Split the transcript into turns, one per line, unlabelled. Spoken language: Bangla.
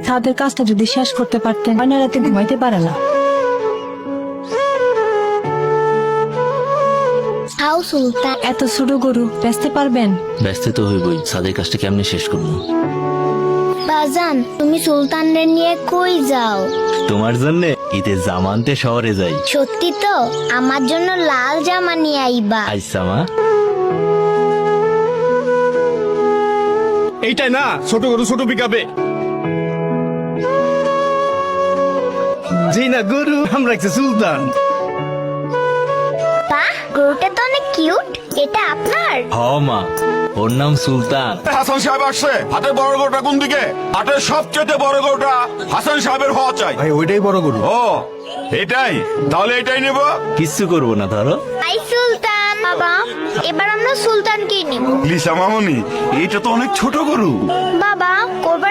তাদের কাজটা যদি শেষ করতে পারতেন, অন্য রাতে ঘুমাইতে পারে না।
হাউ সুলতান।
এত ছোট গরু বেচতে পারবেন?
ব্যস্ত তো হইবই, সাদের কাজটা কেমনে শেষ করবো?
বাজান, তুমি সুলতানদের নিয়ে কই যাও?
তোমার জন্য ঈদের জামানতে শহরে যাই।
সত্যি তো? আমার জন্য লাল জামা নিয়ে আইবা।
আইসা মা।
এইটাই না ছোট গরু ছোট পিকাবে। জি না, গরু আমরা রাখছি সুলতান।
বাহ, গরুটা তো অনেক কিউট। এটা আপনার?
হ মা, ওর নাম সুলতান।
হাসান সাহেব আসছে। হাটের বড় গরুটা কোন দিকে? হাটের সবচেয়ে বড় গরুটা হাসান সাহেবের হওয়া চাই।
ভাই ওইটাই বড় গরু।
ও এটাই, তাহলে এটাই নেব।
কিচ্ছু করবো না ধরো।
আই সুলতান। বাবা, এবার আমরা সুলতানকেই নিব।
লিসা মামনি, এটা তো অনেক ছোট গরু।
বাবা, কোরবানি